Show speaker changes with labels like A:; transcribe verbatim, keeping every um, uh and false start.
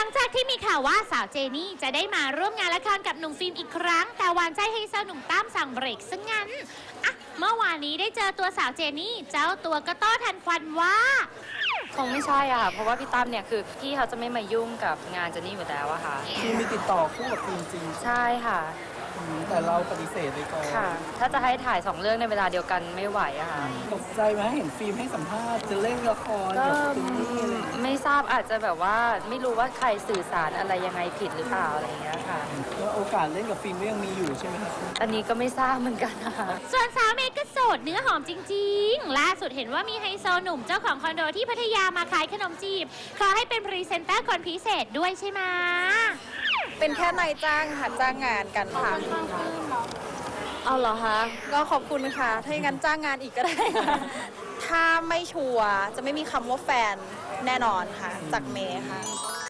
A: จากที่มีข่าวว่าสาวเจนี่จะได้มาร่วมงานละครกับหนุ่มฟิล์มอีกครั้งแต่หวานใจไฮโซหนุ่มตั้มสั่งเบรกซะงั้นอะเมื่อวานนี้ได้เจอตัวสาวเจนี่เจ้าตัวก็โต้ทันควันว่า
B: คงไม่ใช่อะค่ะเพราะว่าพี่ตั้มเนี่ยคือพี่เขาจะไม่มายุ่งกับงานเจนนี่อยู่แล้วอะค่ะ
C: คือมีติดต่อคู่กับฟิล์มจริง
B: ใช่ค่ะ
C: แต่เราปฏิเสธไปก่อน
B: ค่ะถ้าจะให้ถ่ายสองเรื่องในเวลาเดียวกันไม่ไหวอะค่ะ
C: ตกใจไหมเห็นฟิล์มให้สัมภาษณ์จะเล่นละคร
B: ก็
C: กับเจนนี่อะไร
B: ไม่ทราบอาจจะแบบว่าไม่รู้ว่าใครสื่อสารอะไรยังไงผิดหรือเปล่าอะไรอย่างเงี้ยค่ะ
C: แล้วโอกาสเล่นกับฟิล์มก็ยังมีอยู่ใช่ไหมครับ
B: อันนี้ก็ไม่ทราบเหมือนกันนะคะ
A: ส่วนสาวเมย์ก็โสดเนื้อหอมจริงๆล่าสุดเห็นว่ามีไฮโซหนุ่มเจ้าของคอนโดที่พัทยามาขายขนมจีบขอให้เป็นพรีเซนเตอร์คนพิเศษด้วยใช่ไหม
D: เป็นแค่นายจ้างค่ะจ้างงานกันค่ะ
B: เอาเหรอคะ
D: ก็ขอบคุณค่ะถ้าอย่างนั้นจ้างงานอีกก็ได้ค่ะถ้าไม่ชัวร์จะไม่มีคำว่าแฟนแน่นอนค่ะจากเมย์ค่ะ